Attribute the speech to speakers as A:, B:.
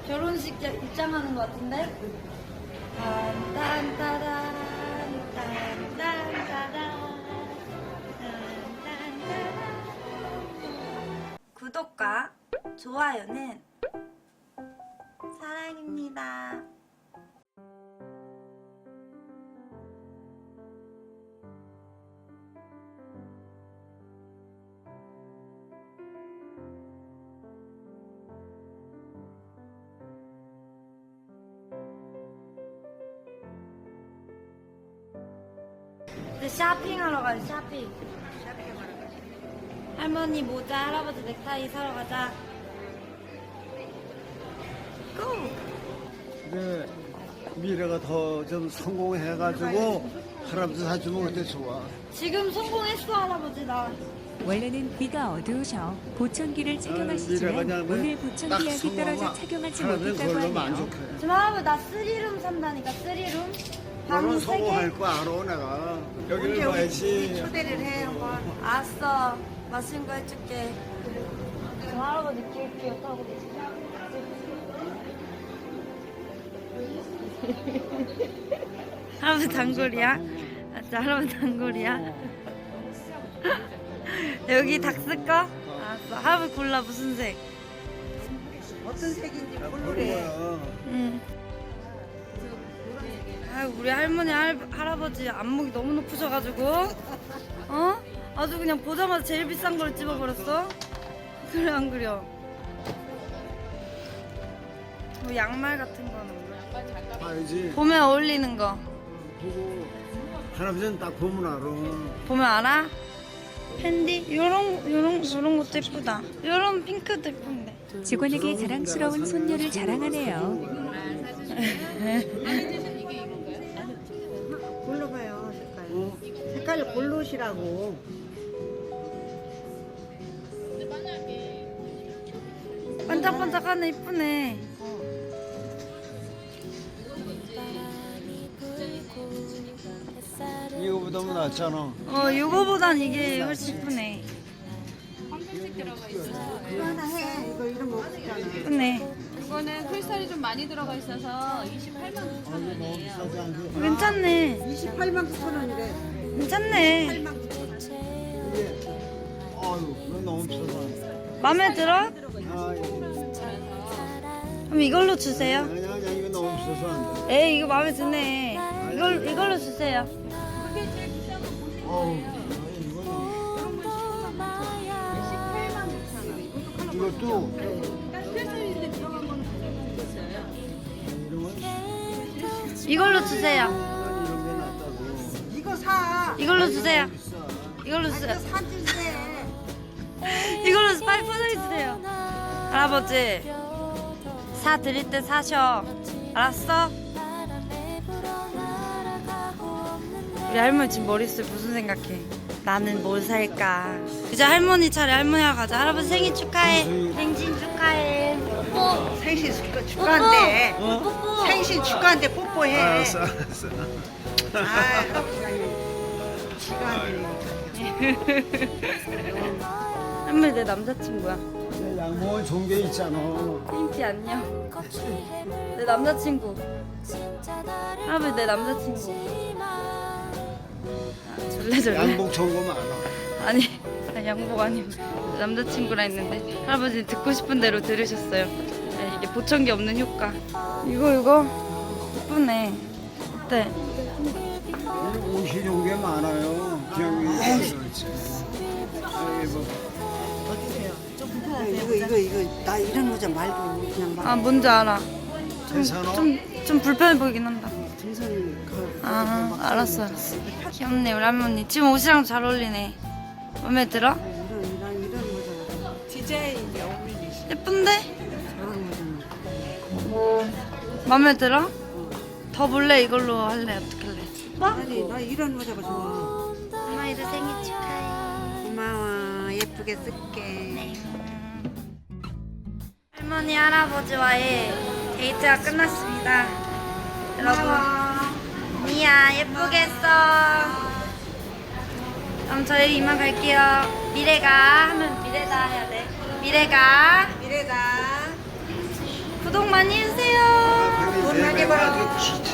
A: 결혼식 입장하는 것 같은데? 딴딴따단, 딴딴따단, 딴딴따단. 구독과 좋아요는 사랑입니다. 이제 쇼핑하러 가자. 쇼핑. 할머니 모자, 할아버지 넥타이 사러 가자. 고!
B: 근데 미래가 더 좀 성공해가지고 할아버지 사주면 어때 좋아?
A: 지금 성공했어, 할아버지 나.
C: 원래는 귀가 어두우셔 보청기를
B: 미래가
C: 착용하시지만
B: 그냥
C: 오늘
B: 딱
C: 보청기약이 떨어져
B: 성공하면
C: 착용하지
B: 할아버지는
C: 못했다고
B: 그걸로
C: 하네요.
B: 만족해.
A: 지금 할아버지 나 3룸 산다니까, 3룸. 방
B: 너는
A: 3개.
B: 성공할 거 알아 내가. 여기를 봐야지.
A: 초대를 해, 한번. 알았어. 맛있는 거 해줄게. 지금 할아버지 기웃기웃 하고 계시죠? 할아버지 단골이야? 아, 진짜 할아버지 단골이야? 여기 닭 쓸까? 알았어. 할아버지 골라, 무슨 색?
D: 어떤 색인지
B: 그래.
D: 모르래.
A: 응. 아, 우리 할머니, 할아버지 안목이 너무 높으셔가지고, 어? 아주 그냥 보자마자 제일 비싼 걸 집어버렸어? 그래, 안 그려? 뭐 양말 같은 거는
B: 봐야지.
A: 봄에 어울리는 거
B: 보고 할아버지는 딱 보면 알아.
A: 보면 알아? 팬디? 요런 것도 예쁘다. 요런 핑크도 예쁜데.
C: 직원에게 자랑스러운 손녀를 자랑하네요.
D: 골라봐요, 색깔. 색깔 고르시라고.
A: 반짝반짝하네, 이쁘네.
B: 이거보다 뭐 낫잖아.
A: 요거보단 이게 훨씬 이쁘네.
D: 이거 하나 해. 이거 이런 거 없잖아.
A: 이쁘네.
E: 이거는 크리스탈이 좀 많이 들어가 있어서 28만 9천 원이에요.
B: 싸지 않게.
A: 괜찮네.
D: 28만 9천 원이래.
A: 괜찮네.
D: 8만 9천 원.
B: 이게 아유 이거 너무 비싸서.
A: 마음에 들어?
B: 아
A: 그럼 이걸로 주세요.
B: 아니야 이거 너무 비싸서 안 돼.
A: 에이, 이거 마음에 드네. 이걸로 주세요.
B: 어우 이것도
E: 크리스탈인데 들어간 거는
A: 이걸로 주세요.
B: 이런 게 낫다고.
D: 이거 사.
A: 이걸로 주세요.
B: 비싸.
A: 이걸로
D: 이거
A: 주세요.
D: 사주세.
A: 이걸로 빨리 포장해주세요. 할아버지, 사 드릴 때 사셔. 알았어? 우리 할머니 지금 머릿속에 무슨 생각해? 나는 뭘 살까? 이제 할머니 차례, 할머니랑 가자. 할아버지 생일 축하해. 생신 축하해. 뽀뽀.
D: 생신 축하한대.
A: 뽀뽀.
D: 생신 축하한대 뽀뽀해.
B: 알았어 알았어.
D: 아, 할아버지가 축하한대.
A: 할머니 내 남자친구야.
B: 내 양복은 좋은 게 있잖아.
A: 핑티 안녕. 내 남자친구. 할아버지 내 남자친구. 졸래.
B: 양복 좋은 거 많아.
A: 아니 양복 아니고 내 남자친구라 했는데 할아버지 듣고 싶은 대로 들으셨어요. 네, 이게 보청기 없는 효과. 이거 예쁘네. 어때?
B: 옷이 좋은 게 많아요. 기억이 그렇지.
D: 이거 나 이런 모자 말고 그냥 막
A: 아, 뭔지 알아.
B: 괜찮아?
A: 좀 불편해 보이긴 한다.
D: 등산이
A: 아, 알았어. 귀엽네 우리 할머니. 지금 옷이랑 잘 어울리네. 마음에 들어?
D: 이런 모자 디자인이 어울리시.
A: 예쁜데?
D: 저런 모자.
A: 마음에 들어? 더 볼래? 이걸로 할래? 어떻게 할래?
D: 아니 나 이런 모자가 좋아.
A: 할머니도 생일 축하해.
D: 고마워. 예쁘게 쓸게.
A: 네. 할머니 할아버지와의 데이트가 끝났습니다. 여러분, 미야 예쁘게 했어. 그럼 저희 이만 갈게요. 미래가 하면 미래다 해야 돼. 미래가
D: 미래다.
A: 구독 많이
B: 아주